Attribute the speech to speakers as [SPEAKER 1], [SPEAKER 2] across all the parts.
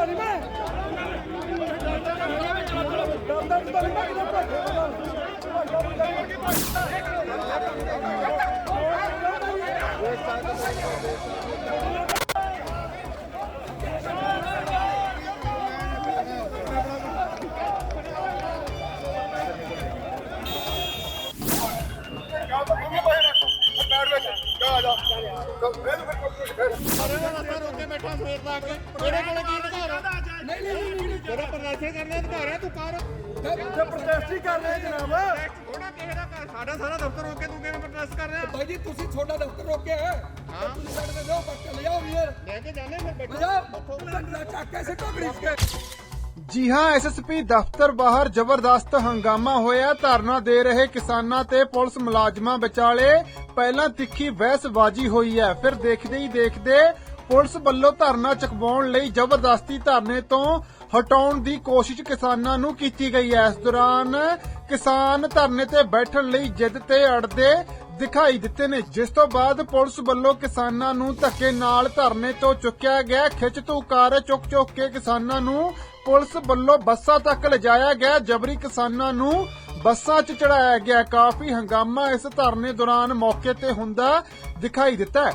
[SPEAKER 1] जी हाँ, एसएसपी दफ्तर बाहर जबरदस्त हंगामा होया। धरना दे रहे किसानां ते पुलिस मुलाजमां विचाले पहला तिखी बहसबाजी हुई है, फिर देखदे ही देखदे पुलिस ਵੱਲੋਂ ਧਰਨਾ ਚੁਕਵਾਉਣ ਲਈ ਜ਼ਬਰਦਸਤੀ ਧਰਨੇ ਤੋਂ ਹਟਾਉਣ ਦੀ ਕੋਸ਼ਿਸ਼ ਕਿਸਾਨਾਂ ਨੂੰ ਕੀਤੀ ਗਈ ਹੈ। ਇਸ ਦੌਰਾਨ ਕਿਸਾਨ ਧਰਨੇ ਤੇ ਬੈਠਣ ਲਈ ਜਿੱਦ ਤੇ ਅੜਦੇ ਦਿਖਾਈ ਦਿੱਤੇ ਨੇ, ਜਿਸ ਤੋਂ ਬਾਅਦ ਪੁਲਿਸ ਵੱਲੋਂ ਕਿਸਾਨਾਂ ਨੂੰ ਧੱਕੇ ਨਾਲ ਧਰਨੇ ਤੋਂ ਚੁੱਕਿਆ ਗਿਆ। ਖਿੱਚ ਧੂ ਕਰ ਚੁੱਕ ਕੇ ਕਿਸਾਨਾਂ ਨੂੰ ਪੁਲਿਸ ਵੱਲੋਂ ਬੱਸਾਂ ਤੱਕ ਲਿਜਾਇਆ ਗਿਆ। ਜਬਰੀ ਕਿਸਾਨਾਂ ਨੂੰ ਬੱਸਾਂ 'ਚ ਚੜਾਇਆ ਗਿਆ। ਕਾਫੀ ਹੰਗਾਮਾ ਇਸ ਧਰਨੇ ਦੌਰਾਨ ਮੌਕੇ ਤੇ ਹੁੰਦਾ ਦਿਖਾਈ ਦਿੱਤਾ ਹੈ।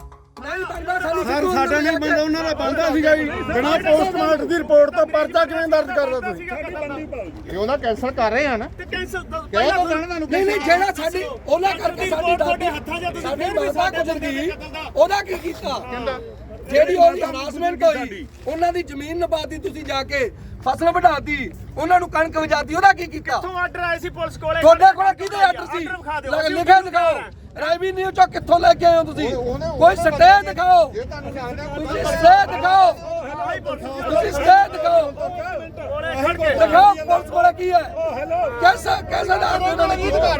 [SPEAKER 2] ਸਰ ਸਾਡਾ ਨਹੀਂ ਬੰਦਾ, ਉਹਨਾਂ ਦਾ ਬੰਦਾ ਸੀਗਾ ਜੀ। ਬਿਨਾਂ ਪੋਸਟਮਾਰਟਮ ਦੀ ਰਿਪੋਰਟ ਤੋਂ ਪਰਚਾ ਕਿਵੇਂ ਦਰਜ ਕਰ ਰਹੇ ਤੁਸੀਂ? ਇਹ ਉਹਨਾਂ ਕੈਂਸਲ ਕਰ ਰਹੇ ਆ ਨਾ, ਕੈਂਸਲ ਕਹਿ ਦੋ ਤੁਹਾਨੂੰ।
[SPEAKER 3] ਨਹੀਂ ਜਿਹੜਾ ਸਾਡੀ ਉਹਨਾਂ ਕਰਕੇ ਸਾਡੀ ਬਾਬਾ ਗੁਜ਼ਰ ਗਈ, ਉਹਦਾ ਕੀ ਕੀਤਾ? ਜਿਹੜੀ ਉਹਦੀ ਹਰਾਸਮੈਂਟ ਹੋਈ, ਉਹਨਾਂ ਦੀ ਜ਼ਮੀਨ ਨਬਾਦੀ, ਤੁਸੀਂ ਜਾ ਕੇ ਫਸਲ ਵਢਾਤੀ, ਉਹਨਾਂ ਨੂੰ ਕਣਕ ਵਜਾਤੀ, ਉਹਦਾ ਕੀ ਕੀਤਾ?
[SPEAKER 4] ਕਿੱਥੋਂ ਆਰਡਰ ਆਏ ਸੀ ਪੁਲਿਸ ਕੋਲੇ?
[SPEAKER 3] ਤੁਹਾਡੇ ਕੋਲ ਕਿਹਦੇ ਆਰਡਰ ਸੀ? ਲਿਖਿਆ ਦਿਖਾਓ। ਰੈਵਨਿਊ ਚੋਂ ਕਿੱਥੋਂ ਲੈ ਕੇ ਆਏ ਹੋ ਤੁਸੀਂ? ਕੋਈ ਸਟੇ ਦਿਖਾਓ, ਤੁਸੀਂ ਸਟੇ ਦਿਖਾਓ, ਤੁਸੀਂ ਸਟੇ ਦਿਖਾਓ, ਦਿਖਾਓ ਪੁਲਿਸ ਕੋਲ ਕੀ ਹੈ? ਕੈਸਾ ਦਾ ਉਹਨਾਂ ਨੇ ਕੀ ਅਧਿਕਾਰ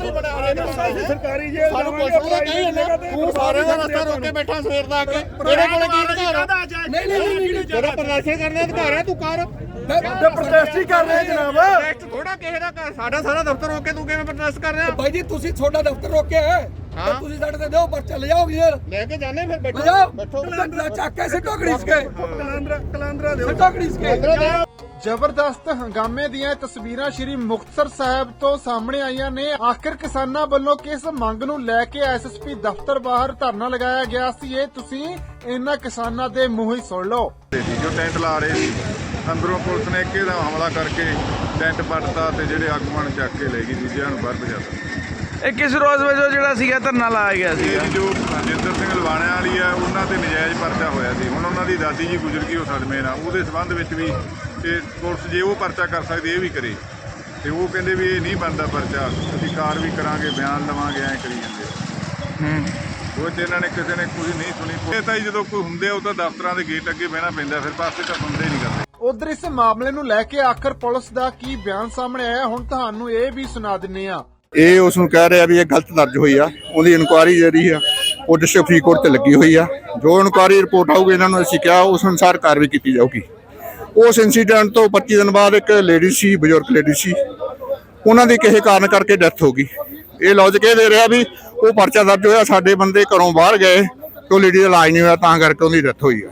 [SPEAKER 4] ਸਰਕਾਰੀ ਜੇਲ੍ਹ
[SPEAKER 2] ਸਾਨੂੰ ਪੁਲਿਸ ਦਾ ਕਹੀ ਨਾ, ਤੂੰ ਸਾਰੇ ਦਾ ਰਸਤਾ ਰੋਕ ਕੇ ਬੈਠਾ ਸਵੇਰ ਦਾ ਆ ਕੇ। ਤੇਰੇ ਕੋਲ ਕੀ ਅਧਿਕਾਰ ਆ?
[SPEAKER 3] ਨਹੀਂ
[SPEAKER 2] ਤੇਰਾ ਪ੍ਰਦਰਸ਼ਨ ਕਰਨ ਦਾ ਅਧਿਕਾਰ ਹੈ, ਤੂੰ ਕਰ।
[SPEAKER 3] ਪ੍ਰੋਟੈਸਟ ਹੀ ਕਰ ਰਹੇ ਜਨਾਬ।
[SPEAKER 2] ਪ੍ਰੋਟੈਸਟ ਥੋੜਾ ਕਿਸੇ ਦਾ ਘਰ, ਸਾਡਾ ਸਾਰਾ ਦਫ਼ਤਰ ਰੋਕ ਕੇ ਤੂੰ ਕਿਵੇਂ ਪ੍ਰੋਟੈਸਟ ਕਰ ਰਿਹਾ?
[SPEAKER 3] ਭਾਈ ਜੀ ਤੁਸੀਂ ਤੁਹਾਡਾ ਦਫ਼ਤਰ ਰੋਕਿਆ ਹੈ, ਤੁਸੀਂ ਸਾਡੇ ਤੇ ਦਿਓ ਪਰਚਾ, ਲੈ ਜਾਓ ਯਾਰ,
[SPEAKER 2] ਲੈ ਕੇ ਜਾਣੇ ਫਿਰ ਬੈਠੋ
[SPEAKER 3] ਬੈਠੋ ਚੱਕ ਕੇ ਸਿੱਟੋ ਘੜੀਸ ਕੇ,
[SPEAKER 4] ਕਲਾਂਦਰਾ ਦਿਓ,
[SPEAKER 3] ਸਿੱਟੋ ਘੜੀਸ ਕੇ।
[SPEAKER 1] ਜ਼ਬਰਦਸਤ ਹੰਗਾਮੇ ਦੀਆਂ ਤਸਵੀਰਾਂ ਸ਼੍ਰੀ ਮੁਕਤਸਰ ਸਾਹਿਬ ਤੋਂ ਸਾਹਮਣੇ ਆਈਆਂ ਨੇ। ਆਖਿਰ ਕਿਸਾਨਾਂ ਵੱਲੋਂ ਕਿਸ ਮੰਗ ਨੂੰ ਲੈ ਕੇ ਐਸਐਸਪੀ ਦਫ਼ਤਰ ਬਾਹਰ ਧਰਨਾ ਲਗਾਇਆ ਗਿਆ ਸੀ, ਇਹ ਤੁਸੀਂ ਇਹਨਾਂ ਕਿਸਾਨਾਂ ਦੇ ਮੂੰਹ ਹੀ ਸੁਣ ਲਓ।
[SPEAKER 5] ਜੋ ਟੈਂਟ ਲਾ ਰਹੇ ਸੀ, ਅੰਦਰੋਂ ਪੁਲਿਸ ਨੇ ਇੱਕੇ ਦਾ ਹਮਲਾ ਕਰਕੇ ਟੈਂਟ ਪੱਟਤਾ ਤੇ ਜਿਹੜੇ ਆਗੂਆਂ ਨੂੰ ਚੱਕ ਕੇ ਲੈ ਗਈ, ਦੂਜਿਆਂ ਨੂੰ ਬਾਹਰ ਭਜਾਤਾ।
[SPEAKER 6] ਇਹ ਕਿਸ ਰੋਜ਼ ਵਜੋਂ ਜਿਹੜਾ ਸੀਗਾ ਧਰਨਾ ਲਾਇਆ ਗਿਆ ਸੀ?
[SPEAKER 5] ਇਹ ਜੋ ਜਿੰਦਰ ਸਿੰਘ ਲਵਾਣਿਆਂ ਵਾਲੀ ਆ, ਉਹਨਾਂ ਤੇ ਨਜਾਇਜ਼ ਪਰਚਾ ਹੋਇਆ ਸੀ। ਹੁਣ ਉਹਨਾਂ ਦੀ ਦਾਦੀ ਜੀ ਗੁਜ਼ਰ ਗਈ ਉਹ ਸਦਮੇ ਨਾਲ, ਉਹਦੇ ਸੰਬੰਧ ਵਿੱਚ ਵੀ ਤੇ ਪੁਲਿਸ ਜੇ ਉਹ ਪਰਚਾ ਕਰ ਸਕਦੀ ਇਹ ਵੀ ਕਰੇ, ਤੇ ਉਹ ਕਹਿੰਦੇ ਵੀ ਇਹ ਨਹੀਂ ਬਣਦਾ ਪਰਚਾ, ਅਸੀਂ ਕਾਰਵਾਈ ਕਰਾਂਗੇ, ਬਿਆਨ ਲਵਾਂਗੇ, ਐਂ ਕਰੀ ਜਾਂਦੇ। ਉਹ ਤੇ ਇਹਨਾਂ ਨੇ ਕਿਸੇ ਨੇ ਕੋਈ ਨਹੀਂ ਸੁਣੀ। ਇਹ ਤਾਂ ਜਦੋਂ ਕੋਈ ਹੁੰਦੇ ਉਹ ਤਾਂ ਦਫ਼ਤਰਾਂ ਦੇ ਗੇਟ ਅੱਗੇ ਬਹਿਣਾ ਪੈਂਦਾ, ਫਿਰ ਪਾਸੇ ਤਾਂ ਸੁਣਦੇ ਨਹੀਂ ਕਰਦੇ।
[SPEAKER 1] ਉਧਰ ਇਸ ਮਾਮਲੇ ਨੂੰ ਲੈ ਕੇ ਆਖਰ ਪੁਲਿਸ ਦਾ ਕੀ ਬਿਆਨ ਸਾਹਮਣੇ ਆਇਆ, ਹੁਣ ਤੁਹਾਨੂੰ ਇਹ ਵੀ ਸੁਣਾ ਦਿੰਨੇ ਆ।
[SPEAKER 7] ਇਹ ਉਸ ਨੂੰ ਕਹਿ ਰਿਹਾ ਵੀ ਇਹ ਗਲਤ ਦਰਜ ਹੋਈ ਆ, ਉਹਦੀ ਇਨਕੁਆਇਰੀ ਜਿਹੜੀ ਆ ਉਹ ਡਿਸਟ੍ਰਿਕਟ ਫਰੀਦਕੋਟ ਤੇ ਲੱਗੀ ਹੋਈ ਆ। ਜੋ ਇਨਕੁਆਇਰੀ ਰਿਪੋਰਟ ਆਊਗੀ ਇਹਨਾਂ ਨੂੰ ਅਸੀਂ ਕਿਹਾ ਉਸ ਅਨੁਸਾਰ ਕਾਰਵਾਈ ਕੀਤੀ ਜਾਊਗੀ। ਉਸ ਇਨਸੀਡੈਂਟ ਤੋਂ 25 ਦਿਨ ਬਾਅਦ ਇੱਕ ਲੇਡੀ ਸੀ, ਬਜ਼ੁਰਗ ਲੇਡੀ ਸੀ, ਉਹਨਾਂ ਦੀ ਕਿਸੇ ਕਾਰਨ ਕਰਕੇ ਡੈਥ ਹੋ ਗਈ। ਇਹ ਲੌਜਿਕ ਇਹ ਦੇ ਰਿਹਾ ਵੀ ਉਹ ਪਰਚਾ ਦਰਜ ਹੋਇਆ, ਸਾਡੇ ਬੰਦੇ ਘਰੋਂ ਬਾਹਰ ਗਏ ਤੇ ਉਹ ਲੇਡੀ ਦਾ ਇਲਾਜ ਨਹੀਂ ਹੋਇਆ, ਤਾਂ ਕਰਕੇ ਉਹਦੀ ਡੈਥ ਹੋਈ ਆ।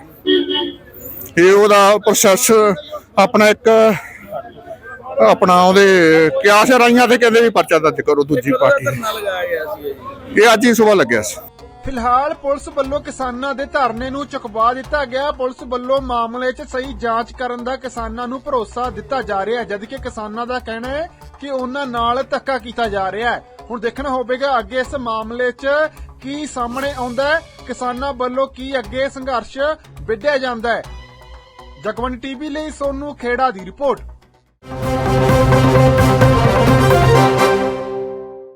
[SPEAKER 7] ਇਹ ਉਹਦਾ ਪ੍ਰੋਸੈਸ ਆਪਣਾ ਇੱਕ ਆਪਣਾ ਉਹਦੇ ਕਿਆਸ ਰਾਈਆਂ ਤੇ ਕਹਿੰਦੇ ਵੀ ਪਰਚਾ ਦਰਜ ਕਰੋ ਦੂਜੀ ਪਾਰਟੀ। ਇਹ ਅੱਜ ਹੀ ਸੁਬਾਹ ਲੱਗਿਆ ਸੀ।
[SPEAKER 1] ਫਿਲਹਾਲ ਪੁਲਿਸ ਵੱਲੋਂ ਕਿਸਾਨਾਂ ਦੇ ਧਰਨੇ ਨੂੰ ਚੁਕਵਾ ਦਿੱਤਾ ਗਿਆ। ਪੁਲਿਸ ਵੱਲੋਂ ਮਾਮਲੇ 'ਚ ਸਹੀ ਜਾਂਚ ਕਰਨ ਦਾ ਕਿਸਾਨਾਂ ਨੂੰ ਭਰੋਸਾ ਦਿੱਤਾ ਜਾ ਰਿਹਾ ਹੈ, ਜਦਕਿ ਕਿਸਾਨਾਂ ਦਾ ਕਹਿਣਾ ਹੈ ਕਿ ਉਹਨਾਂ ਨਾਲ ਧੱਕਾ ਕੀਤਾ ਜਾ ਰਿਹਾ ਹੈ। ਹੁਣ ਦੇਖਣਾ ਹੋਵੇਗਾ ਅੱਗੇ ਇਸ ਮਾਮਲੇ 'ਚ ਕੀ ਸਾਹਮਣੇ ਆਉਂਦਾ ਹੈ, ਕਿਸਾਨਾਂ ਵੱਲੋਂ ਕੀ ਅੱਗੇ ਸੰਘਰਸ਼ ਵਿੱਢਿਆ ਜਾਂਦਾ ਹੈ। ਜਗਵੰਤ ਟੀਵੀ ਲਈ ਸੋਨੂ ਖੇੜਾ ਦੀ ਰਿਪੋਰਟ।